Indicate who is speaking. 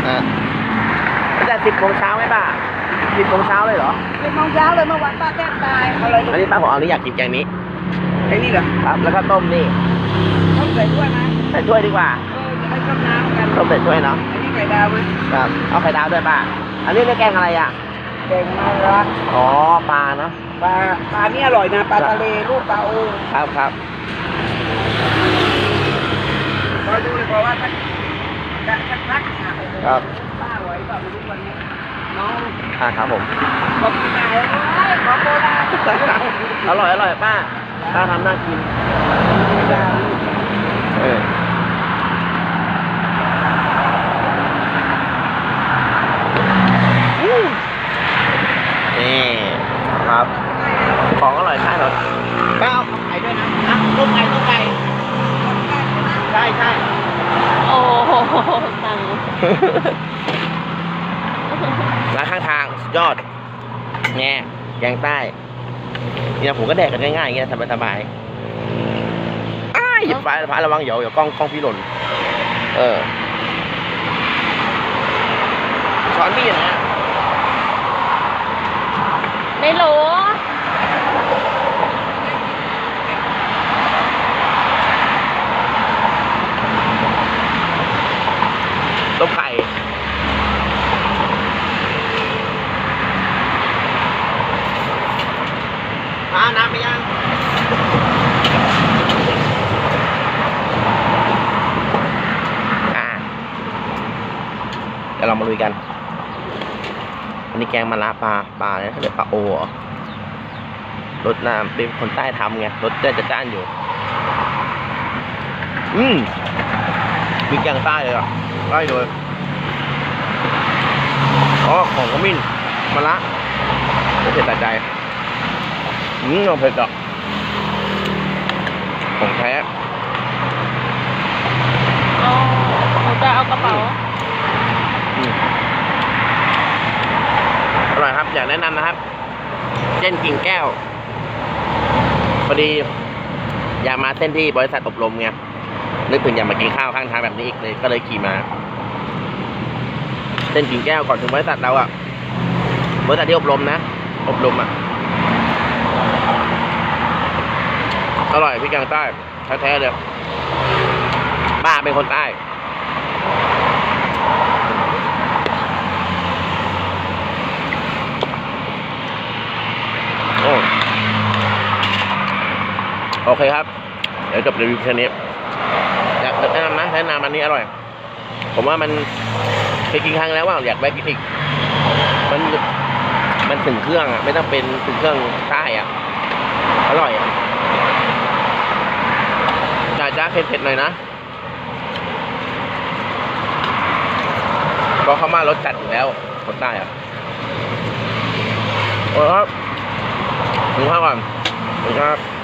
Speaker 1: ตั้งแต่10 โมงเช้าไหมป้า10 โมงเช้าเลยเหรอ
Speaker 2: 10 โมงเช้าเลยเมื่อวานป้าแทบตายอะไร
Speaker 1: อันนี้ป้าผมเอานี่อยากกินแกงนี้
Speaker 2: ไอ้นี่เหรอ
Speaker 1: ครับ แล้วก็ต้มนี่
Speaker 2: ต้องใส่ด้วยไหม
Speaker 1: ใส่ถ้วยดีกว่า
Speaker 2: จะได้ต้มน้ำกัน
Speaker 1: ต้มใส่ถ้วยเนาะ
Speaker 2: อันนี้ไข่ดาวไหม
Speaker 1: ครับเอาไข่ดาวด้วยป้าอันนี้เรียกแกงอะไรอ่ะ
Speaker 2: แกงมะระ
Speaker 1: อ๋อปลาเนาะ
Speaker 2: ปลานี่อร่อยนะปลาทะเลลูกปลาโอ
Speaker 1: ครับ
Speaker 2: คอยดูเลยเพราะว่าถ้าพัก
Speaker 1: ครับ
Speaker 2: ป้าอร่อยป่ะไม่รู้วันนี้น้อง
Speaker 1: ครับผม
Speaker 2: บอกที่ไหนของโบราณ
Speaker 1: อร่อยป้าทำน่ากินเออนี่ครับของอร่อยใช่เหรอป้าเอาไข่ด้วยนะต้มไก่ใช่
Speaker 3: โอ้โหตัง
Speaker 1: ร้านข้างทางสุดยอดแง่แกงใต้เนี่ยผมก็แดกกันง่ายๆอย่างเงี้ยสบายๆหยิบไฟระวังเดี๋ยวกล้องพี่หล่นช้อนพี่นะ
Speaker 3: ไม่รู้
Speaker 1: ต้มไข่น้ำไปยังเดี๋ยวเรามาลุยกันอันนี้แกงมะระปลาเนี่ยเขาเรียกปลาโอเหรอรสน้ำเป็นคนใต้ทำไงรสจะจ้านอยู่มีแกงใต้เลยอ่ะได้เลยของขมิ้นมะระเผ็ดแต่ใจลองเผ็ดอ่ะของแท้
Speaker 3: ผมจะเอากระเป๋า
Speaker 1: อร่อยครับอยากแนะนำนะครับเส้นกิ่งแก้วพอดีอยากมาเส้นที่บริษัทอบรมไงนึกถึงอยากมากินข้าวข้างทางแบบนี้อีกเลยก็เลยขี่มาเส้นกิ่งแก้วก่อนถึงบริษัทเราอ่ะบริษัทที่อบรมนะอบรมอ่ะอร่อยพี่แกงใต้แท้ๆเลยป้าเป็นคนใต้โอเคครับเดี๋ยวจบรีวิวแค่นี้อยากแนะนำอันนี้อร่อยผมว่ามันเคยกินครั้งแล้วว่าอยากแวะกินอีกมันถึงเครื่องอ่ะไม่ต้องเป็นถึงเครื่องใต้อ่ะอร่อยอ่ะจ้าเผ็ดๆหน่อยนะเพราะเขามารสจัดอยู่แล้วคนใต้อ่ะโอ้ครับถึงข้าวก่อนถึงครับ